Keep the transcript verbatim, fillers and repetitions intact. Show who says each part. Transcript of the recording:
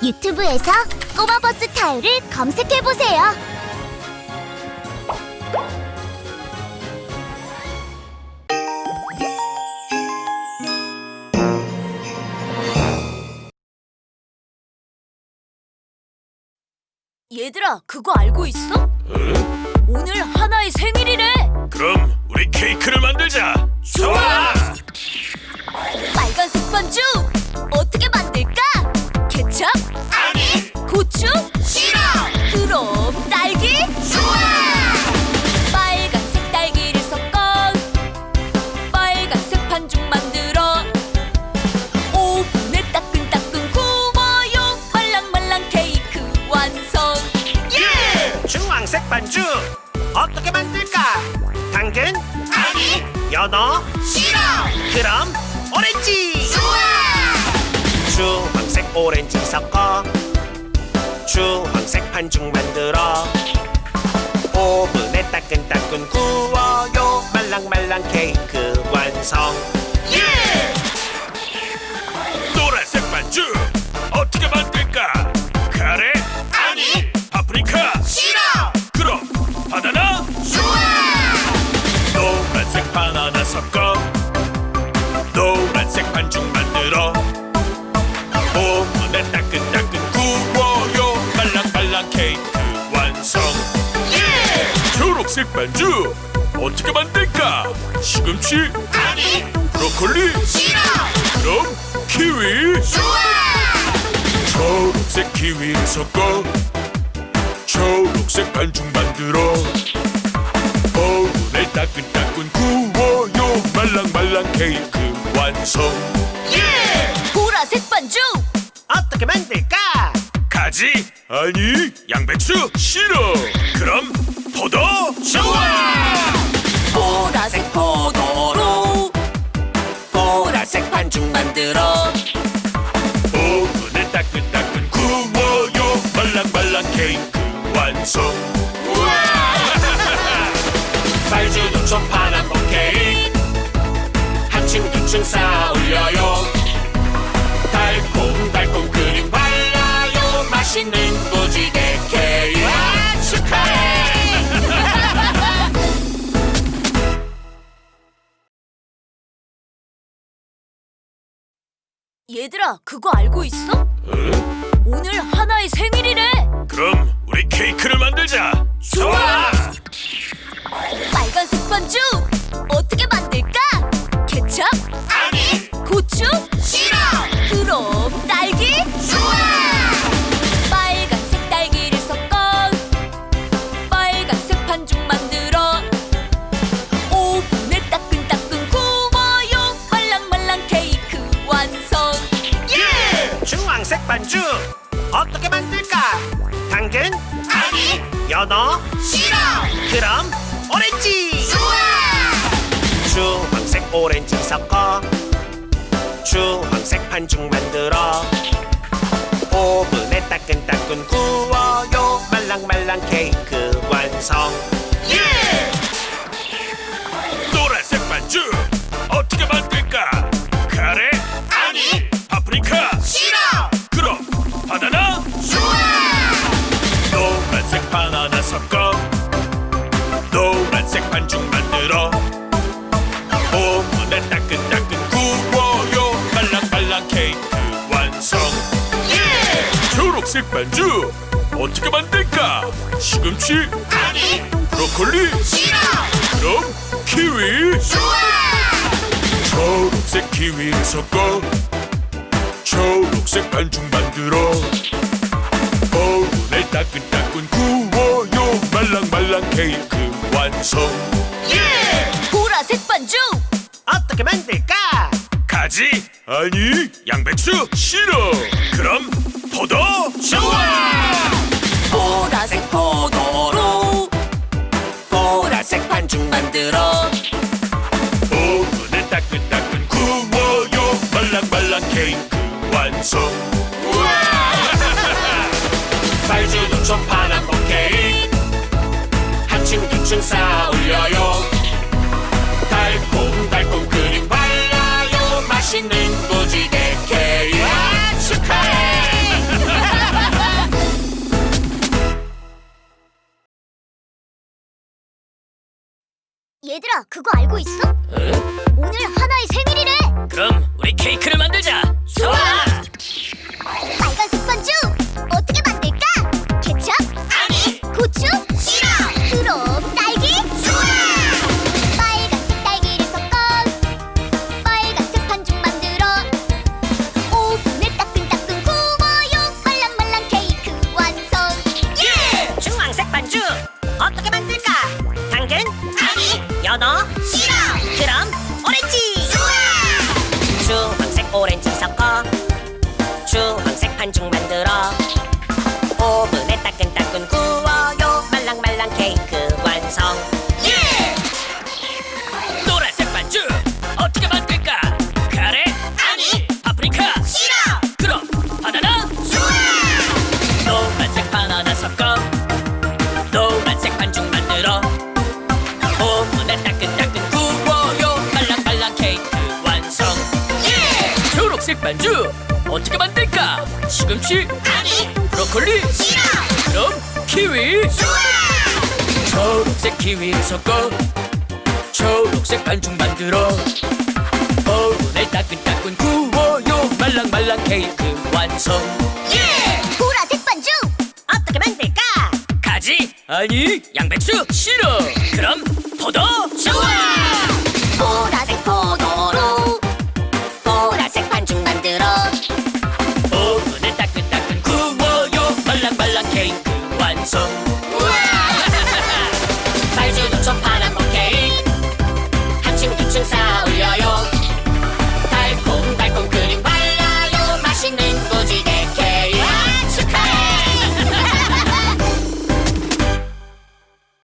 Speaker 1: 유튜브에서 꼬마버스 타요를 검색해보세요.
Speaker 2: 얘들아, 그거 알고 있어?
Speaker 3: 응?
Speaker 2: 오늘 하나의 생일이래.
Speaker 3: 그럼 우리 케이크를 만들자.
Speaker 2: 좋아! 빨간색 반죽 어떻게 만들까? 케첩?
Speaker 3: 아니!
Speaker 2: 고추?
Speaker 3: 싫어!
Speaker 2: 그럼 딸기?
Speaker 3: 좋아!
Speaker 2: 빨간색 딸기를 섞어 빨간색 반죽 만들어 오븐에 따끈따끈 구워요. 말랑말랑 케이크 완성.
Speaker 3: 예! 주황색 반죽 어떻게 만들까? 당근? 아니! 연어? 싫어! 그럼 오렌지! 좋아! 주황색 오렌지 섞어 주황색 반죽 만들어 오븐에 따끈따끈 구워요. 말랑말랑 케이크 완성. 예! 노란색 반죽 어떻게 만들까? 카레? 아니! 파프리카? 싫어! 그럼 바나나? 좋아! 노란색 바나나 섞어 노란색 반죽 만들어 오븐에 따끈따끈 구워요. 말랑말랑 케이크 완성. 예! 초록색 반죽 어떻게 만들까? 시금치? 아니! 브로콜리? 싫어! 그럼 키위? 좋아! 초록색 키위를 섞어 초록색 반죽 만들어 오븐에 따끈따끈 구워요. 말랑말랑 케이크 완성. 예!
Speaker 2: 보라색 반죽
Speaker 3: 어떻게 만들까? 가지? 아니, 양배추? 싫어. 그럼 포도? 좋아!
Speaker 2: 보라색 포도로
Speaker 3: 보라색 반죽 만들어 오븐에 따끈따끈 구워요. 말랑말랑 케이크 완성. 우와! 빨주노초 파남보 케이크 한층두층 쌓아 올려요. 달콤달콤 크림 발라요. 맛있는 무지개 케이크 와, 축하해.
Speaker 2: 얘들아, 그거 알고 있어?
Speaker 3: 응?
Speaker 2: 오늘 하나의 생일이래.
Speaker 3: 그럼 우리 케이크를 만들자.
Speaker 2: 좋아! 빨간색 반죽 어떻게 만들까? 케첩?
Speaker 3: 아니!
Speaker 2: 고추?
Speaker 3: 싫어!
Speaker 2: 그럼 딸기?
Speaker 3: 좋아!
Speaker 2: 빨간색 딸기를 섞어 빨간색 반죽 만들어 오븐에 따끈따끈 구워요. 말랑말랑 케이크 완성.
Speaker 3: 예! 주황색 반죽 어떻게 만들까? 당근? 아니! 연어? 싫어! 그럼 오렌지! 좋아! 주황색 오렌지 섞어 주황색 반죽 만들어 오븐에 따끈따끈 구워요. 말랑말랑 케이크 완성. 예! 노란색 반죽 어떻게 만들까? 카레? 아니! 파프리카? 싫어! 그럼 바나나? 좋아! 노란색 바나나 섞어 노란색 반죽 만들어 오븐에 따끈따끈 구워요. 말랑말랑 케이크 완성. 예! 초록색 반죽 어떻게 만들까? 시금치? 아니! 브로콜리? 싫어! 그럼 키위? 좋아! 초록색 키위를 섞어 초록색 반죽 만들어 오븐에 따끈따끈 구워요. 말랑말랑 케이크 완성. 예!
Speaker 2: 보라색 반죽
Speaker 3: 어떻게 만들까? 가지? 아니, 양배추? 싫어. 그럼 포도? 좋아!
Speaker 2: 보라색 포도로
Speaker 3: 보라색 반죽 만들어 오븐에 따끈따끈 구워요. 말랑말랑 케이크 완성. 우와! 빨주노초 파남보 케이크 한층두층 쌓아 올려요. 달콤달콤 크림 발라요. 맛있는 무지개 케이크 와, 축하해.
Speaker 1: 얘들아, 그거 알고 있어?
Speaker 3: 응?
Speaker 1: 오늘 하나의 생일이래.
Speaker 3: 그럼 우리 케이크를 만들자.
Speaker 2: 좋아.
Speaker 1: 빨간색 반죽 어떻게 만들까? 케첩?
Speaker 2: 아니.
Speaker 1: 고추?
Speaker 2: 싫어.
Speaker 1: 그럼 딸기?
Speaker 2: 좋아.
Speaker 1: 빨간색 딸기를 섞어 빨간색 반죽 만들어 오븐에 따끈따끈 구워요. 말랑말랑 케이크 완성.
Speaker 2: 예.
Speaker 4: 주황색 반죽 어떻게 만들까? 당근?
Speaker 2: 아니.
Speaker 4: 연어?
Speaker 2: 싫어.
Speaker 4: 그럼 오렌지!
Speaker 2: 좋아.
Speaker 4: 주황색 오렌지 섞어 주황색 반죽 만들어 오븐에 따끈따끈 구워요. 말랑말랑 케이크 완성.
Speaker 2: 예.
Speaker 3: 노란색 반죽 어떻게 만들까? 카레?
Speaker 2: 아니.
Speaker 3: 파프리카?
Speaker 2: 싫어.
Speaker 3: 그럼 바나나?
Speaker 2: 좋아.
Speaker 3: 노란색 바나나 섞어 노란색 반죽 만들어 오븐에 따끈따끈 구워요. 말랑말랑 케이크 완성.
Speaker 2: 예.
Speaker 3: 초록색 반죽 어떻게 만들까? 시금치?
Speaker 2: 아니.
Speaker 3: 브로콜리?
Speaker 2: 싫어.
Speaker 3: 그럼 키위?
Speaker 2: 좋아.
Speaker 3: 초록색 키위를 섞어 초록색 반죽 만들어 오븐에 따끈따끈 구워요. 말랑말랑 케이크 완성.
Speaker 2: 예.
Speaker 1: 보라색 반죽
Speaker 4: 어떻게 만들까?
Speaker 3: 가지? 아니 양배추? 싫어. 그럼 포도?
Speaker 2: 좋아.
Speaker 1: 보라